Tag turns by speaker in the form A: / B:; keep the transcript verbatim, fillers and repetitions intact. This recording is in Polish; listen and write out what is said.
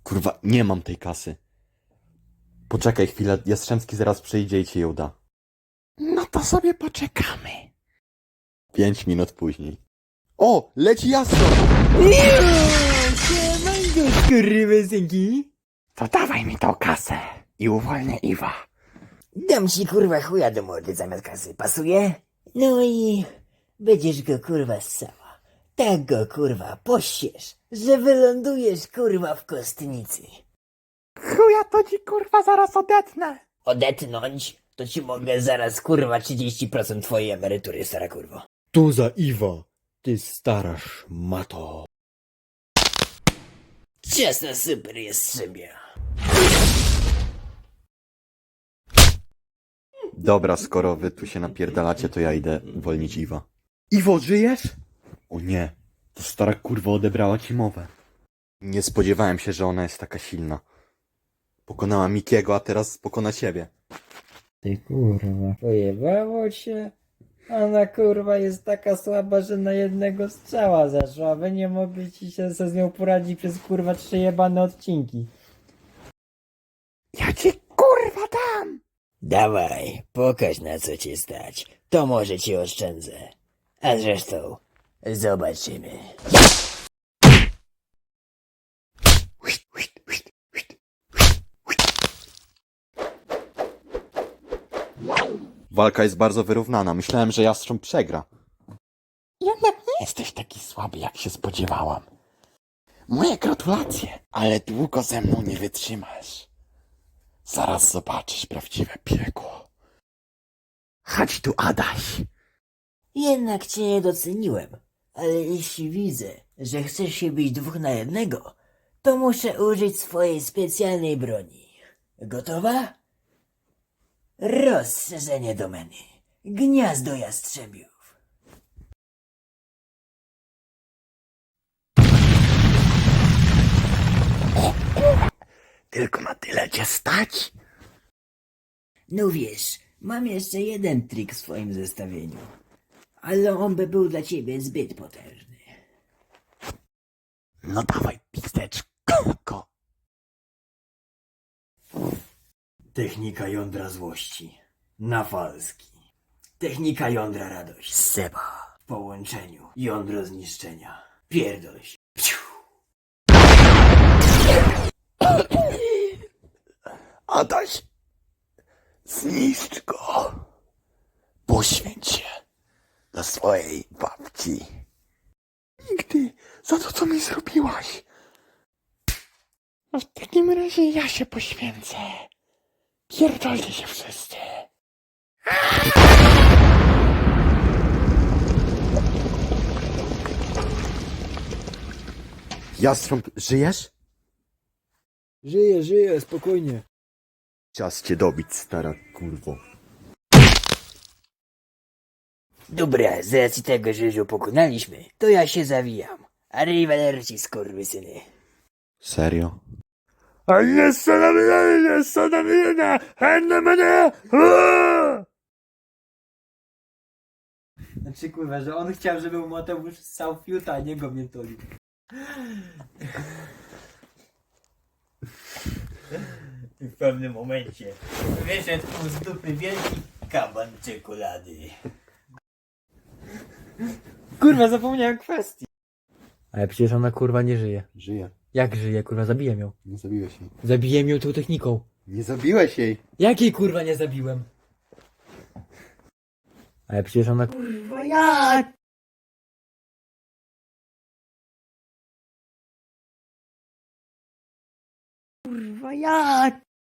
A: Kurwa, nie mam tej kasy. Poczekaj chwilę, Jastrzębski zaraz przyjdzie i ci ją da.
B: No to sobie poczekamy.
A: Pięć minut później. O, leci Jastrząb!
C: Siemanko, skurwysynki.
B: To dawaj mi tą kasę i uwolnię Iwa.
C: Dam ci kurwa chuja do mordy zamiast kasy, pasuje? No i będziesz go kurwa ssała. Tak go kurwa pościesz, że wylądujesz kurwa w kostnicy.
B: Chuja to ci kurwa zaraz odetnę.
C: Odetnąć? To ci mogę zaraz kurwa trzydzieści procent twojej emerytury, stara kurwo.
A: Tu za Iwa, ty stara szmato.
C: Ciasno super jest sobie.
A: Dobra, skoro wy tu się napierdalacie, to ja idę uwolnić Iwa. Iwo, żyjesz? O nie, to stara kurwa odebrała ci mowę. Nie spodziewałem się, że ona jest taka silna. Pokonała Mikiego, a teraz pokona ciebie.
C: Ty kurwa, pojebało cię? Ona kurwa jest taka słaba, że na jednego strzała zaszła, a wy nie mogliście się ze z nią poradzić przez kurwa trzy jebane odcinki.
B: Ja ci kurwa dam.
C: Dawaj, pokaż na co cię stać, to może ci oszczędzę. A zresztą, zobaczymy.
A: Walka jest bardzo wyrównana. Myślałem, że Jastrząb przegra.
B: Jednak nie jesteś taki słaby, jak się spodziewałam. Moje gratulacje, ale długo ze mną nie wytrzymasz. Zaraz zobaczysz prawdziwe piekło. Chodź tu, Adaś.
C: Jednak cię nie doceniłem, ale jeśli widzę, że chcesz się bić dwóch na jednego, to muszę użyć swojej specjalnej broni. Gotowa? Rozszerzenie domeny. Gniazdo jastrzebiów.
B: Tylko na tyle cię stać?
C: No wiesz, mam jeszcze jeden trik w swoim zestawieniu, ale on by był dla ciebie zbyt potężny.
B: No dawaj, pizdeczko.
C: Technika jądra złości. Nawalski. Technika jądra radość. Seba. W połączeniu. Jądro zniszczenia. Pierdol się. Psiu.
B: Adaś, zniszcz go. Poświęć się dla swojej babci. Nigdy za to, co mi zrobiłaś. No w takim razie ja się poświęcę. Pierdolcie się wszyscy.
A: Jastrząb, żyjesz?
C: Żyję, żyję, spokojnie.
A: Czas cię dobić, stara kurwo.
C: Dobra, z racji tego, że już pokonaliśmy, to ja się zawijam. Arrivederci, skurwysyny.
A: Serio?
B: A jest co na mnie, jest co na mnie, na mnie.
C: Znaczy kurwa, że on chciał, żeby mu Mateusz ssał fiuta, a nie go miętolił. W pewnym momencie wyszedł mu z dupy wielki kaban czekolady. Kurwa, zapomniałem kwestii. Ale przecież ona kurwa nie żyje.
A: Żyje.
C: Jak żyje, kurwa, zabiłem ją.
A: Nie zabiłeś jej.
C: Zabiłem ją tą techniką.
A: Nie zabiłeś jej!
C: Jakiej kurwa nie zabiłem? Ale przecież ona kurwa jak? Kurwa jak?